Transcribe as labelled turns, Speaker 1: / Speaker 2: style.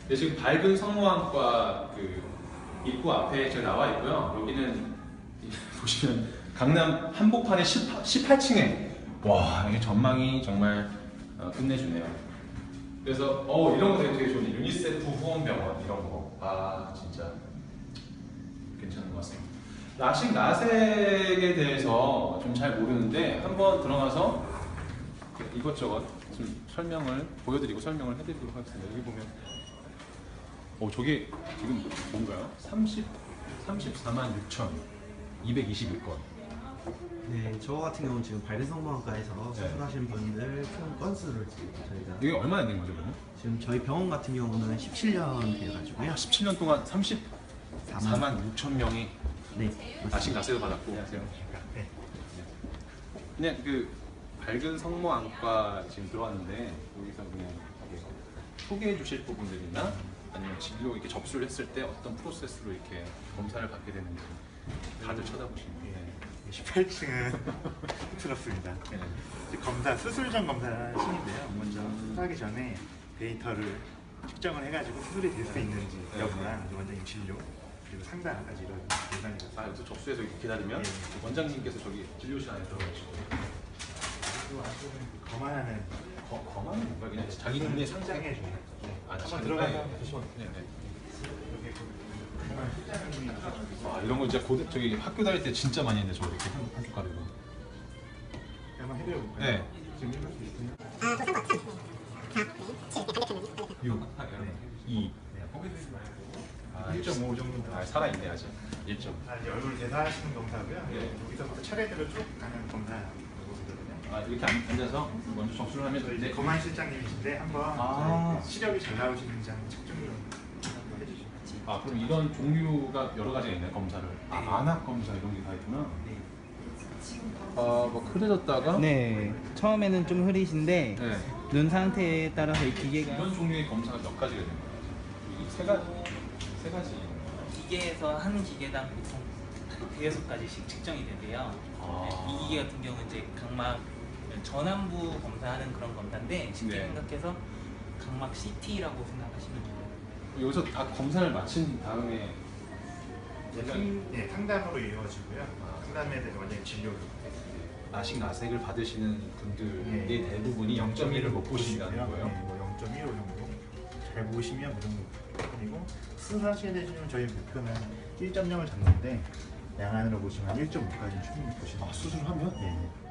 Speaker 1: 네, 지금 밝은 성모항과 그 입구 앞에 제가 나와 있고요. 여기는 보시면 강남 한복판의 18층에 와, 이 전망이 정말 끝내주네요. 그래서 이런 거 되게 좋네. 유니세프 후원병원 이런 거. 아 진짜 괜찮은 것 같습니다. 라식 라섹에 대해서 좀 잘 모르는데 한번 들어가서 이것저것 좀 설명을 보여드리고 설명을 해드리도록 하겠습니다. 여기 보면 저게 지금 뭔가요? 34만 6,221건.
Speaker 2: 네, 저 같은 경우는 지금 발대성모학과에서 수술하신 분들 총 건수를 지금 저희가
Speaker 1: 이게 얼마나 된 거죠, 그러면?
Speaker 2: 지금 저희 병원 같은 경우는 17년 돼가지고요.
Speaker 1: 17년 동안 34만 6천 명이
Speaker 2: 네,
Speaker 1: 라식 라섹을 받았고. 안녕하세요.
Speaker 2: 네.
Speaker 1: 그냥 그 밝은 성모안과 지금 들어왔는데 여기서 그냥 소개해 주실 부분들이나 아니면 진료 이렇게 접수를 했을 때 어떤 프로세스로 이렇게 검사를 받게 되는지 다들 쳐다보시는데
Speaker 3: 18층은 틀었습니다. 이제 검사, 수술 전 검사실인데요. 먼저 수술하기 전에 데이터를 측정을 해가지고 수술이 될 수 있는지 여부랑 원장님 진료 그리고 상담까지 이런 예산이 있어요.
Speaker 1: 여기서 접수해서 이렇게 기다리면 원장님께서 저기 진료실 안에 들어가시고
Speaker 3: 그리고 안쪽은 거만하는
Speaker 1: 거만은 뭔가 그냥 자기 눈에
Speaker 3: 상장해 줘요.
Speaker 1: 한번
Speaker 3: 들어가서 보시면
Speaker 1: 네네.
Speaker 3: 정말 실장님이
Speaker 1: 이런 거 진짜 저기 학교 다닐 때 진짜 많이 했는데 저 이렇게 한쪽 가리고.
Speaker 3: 한번 해드려볼까요?
Speaker 1: 네.
Speaker 3: 지금 해볼 수 있어요?
Speaker 1: 6, 2,
Speaker 3: 1.5 정도
Speaker 1: 살아있네 아직. 1점.
Speaker 3: 이제 얼굴 대사하시는 검사고요.
Speaker 1: 네.
Speaker 3: 여기서부터 차례대로 쭉 가는 검사 모습이거든요.
Speaker 1: 이렇게 앉아서 먼저 접수를 하면
Speaker 3: 이제
Speaker 1: 이제
Speaker 3: 거만 실장님이신데 한번 시력이 잘 나오시는지 한번 측정을 한번 해주시죠.
Speaker 1: 그럼 이런 종류가 여러 가지가 있네 검사를. 안압 검사 이런 게 다 있구나.
Speaker 3: 네.
Speaker 1: 뭐 흐려졌다가
Speaker 4: 네, 처음에는 좀 흐리신데
Speaker 1: 네.
Speaker 4: 눈 상태에 따라서 이 기계가
Speaker 1: 이런 종류의 검사가 몇 가지가 되는 거예요? 이게 세 가지.
Speaker 5: 기계에서 한 기계당 보통 대여섯 가지씩 측정이 되고요. 이 기계 같은 경우는 이제 각막 전완부 검사하는 그런 검사인데 쉽게
Speaker 1: 네.
Speaker 5: 생각해서 각막 CT라고 생각하시면 돼요.
Speaker 1: 여기서 다 검사를 마친 다음에
Speaker 3: 상담으로 이루어지고요. 상담에 대해서 원장님 진료를
Speaker 1: 라식 라섹을 받으시는 분들의
Speaker 3: 네.
Speaker 1: 대부분이 0.1을 못 보신다는 거예요.
Speaker 3: 네, 뭐 0.15 정도 잘 보시면 그 정도 편이고 수술하시게 되시면 저희 목표는 1.0을 잡는데 양안으로 보시면 1.5까지 충분히 보시는
Speaker 1: 수술하면?
Speaker 3: 네.